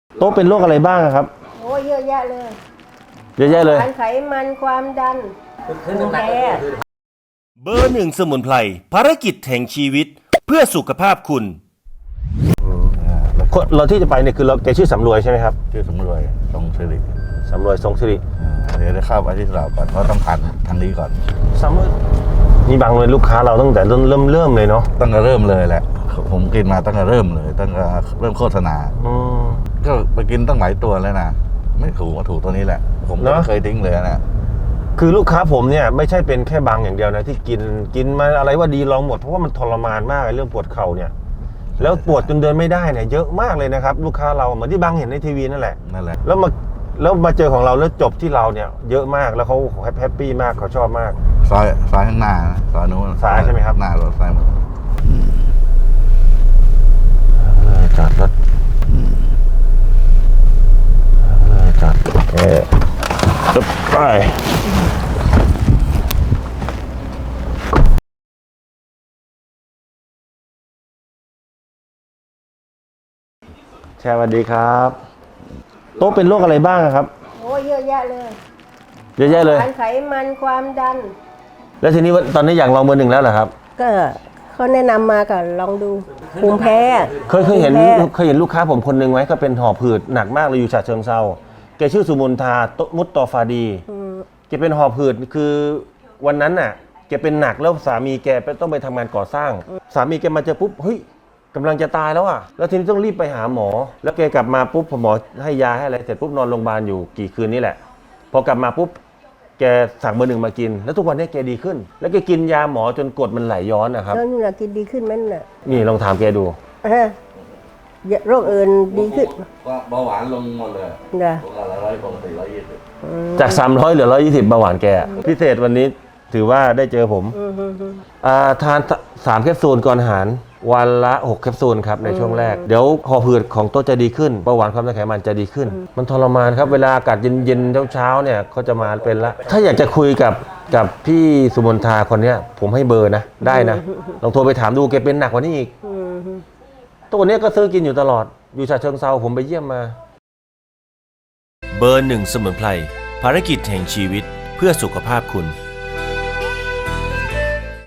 โต๊ะเป็นโรคอะไรบ้างครับโอ้เยอะแยะเลยเยอะแยะเลยไขมันความดันภูมิแพ้เบอร์หนึ่งสมุนไพรภารกิจแห่งชีวิตเพื่อสุขภาพคุณเราที่จะไปเนี่ยคือเราแกชื่อสำรวยใช่ไหมครับชื่อสำรวยทรงสิริสำรวยทรงสิริเดี๋ยวได้เข้าไปที่เราก่อนเพราะต้องผ่านทางนี้ก่อนสำรวยนี่บางเลยลูกค้าเราตั้งแต่เริ่มเลยเนาะตั้งแต่เริ่มเลยแหละผมกินมาตั้งแต่เริ่มเลยตั้งแต่เริ่มโฆษณาก็ไปกินตั้งหลายตัวแล้วนะไม่ถูกมาถูกตัวนี้แหละผมไม่เคยทิ้งเลยนะคือลูกค้าผมเนี่ยไม่ใช่เป็นแค่บางอย่างเดียวนะที่กินมาอะไรว่าดีลองหมดเพราะว่ามันทรมานมากเรื่องปวดเข่าเนี่ยแล้วปวดจนเดินไม่ได้เนี่ยเยอะมากเลยนะครับลูกค้าเราเหมือนที่บางเห็นในทีวีนั่นแหละแล้วมาเจอของเราแล้วจบที่เราเนี่ยเยอะมากแล้วเขาแฮปปี้มากเขาชอบมากซอยข้างหน้าซอยนู้นซ้ายใช่ไหมครับหน้ารถซ้ายมือจอดรถจอดไปสวัสดีครับโต๊ะเป็นโรคอะไรบ้างครับโอ้เยอะแยะเลยเยอะแยะเลยไขมันความดันแล้วทีนี้ตอนนี้อยากลองเบอร์หนึ่งแล้วเหรอครับก็เขาแนะนำมาก็ลองดูภูมิแพ้เคยเห็นลูกค้าผมคนหนึ่งไหมก็เป็นหอบหืดหนักมากเลยอยู่ฉะเชิงเทราแกชื่อสุมนทามุตตอฟาดีแกเป็นหอบหืดคือวันนั้นน่ะแกเป็นหนักแล้วสามีแกต้องไปทำงานก่อสร้างสามีแกมาเจอปุ๊บเฮ้ยกำลังจะตายแล้วอ่ะแล้วทีนี้ต้องรีบไปหาหมอแล้วแกกลับมาปุ๊บหมอให้ยาให้อะไรเสร็จปุ๊บนอนโรงพยาบาลอยู่กี่คืนนี่แหละพอกลับมาปุ๊บแกสั่งเบอร์หนึ่งมากินแล้วทุกวันนี้แกดีขึ้นแล้วแกกินยาหมอจนกรดมันไหลย้อนนะครับแล้วนี่นะกินดีขึ้นไหมน่ะนี่ลองถามแกดูโรคอื่นดีขึ้นเบาหวานลงหมดเลยนะปกติ120 จาก300เหลือ120เบาหวานแกพิเศษวันนี้ถือว่าได้เจอผมทาน3แคปซูลก่อนอาหารวันละ6แคปซูลครับในช่วงแรกเดี๋ยวหอบหืดของโต๊ะจะดีขึ้นเบาหวานความดันไขมันจะดีขึ้นมันทรมานครับเวลาอากาศเย็นๆเช้าๆเนี่ยเขาจะมาเป็นละถ้าอยากจะคุยกับพี่สุมนทาคนนี้ผมให้เบอร์นะได้นะลองโทรไปถามดูแกเป็นหนักกว่านี้อีกตัวนี้ก็ซื้อกินอยู่ตลอดอยู่ฉะเชิงเทราผมไปเยี่ยมมาเบอร์หนึ่งสมุนไพรภารกิจแห่งชีวิตเพื่อสุขภาพคุณ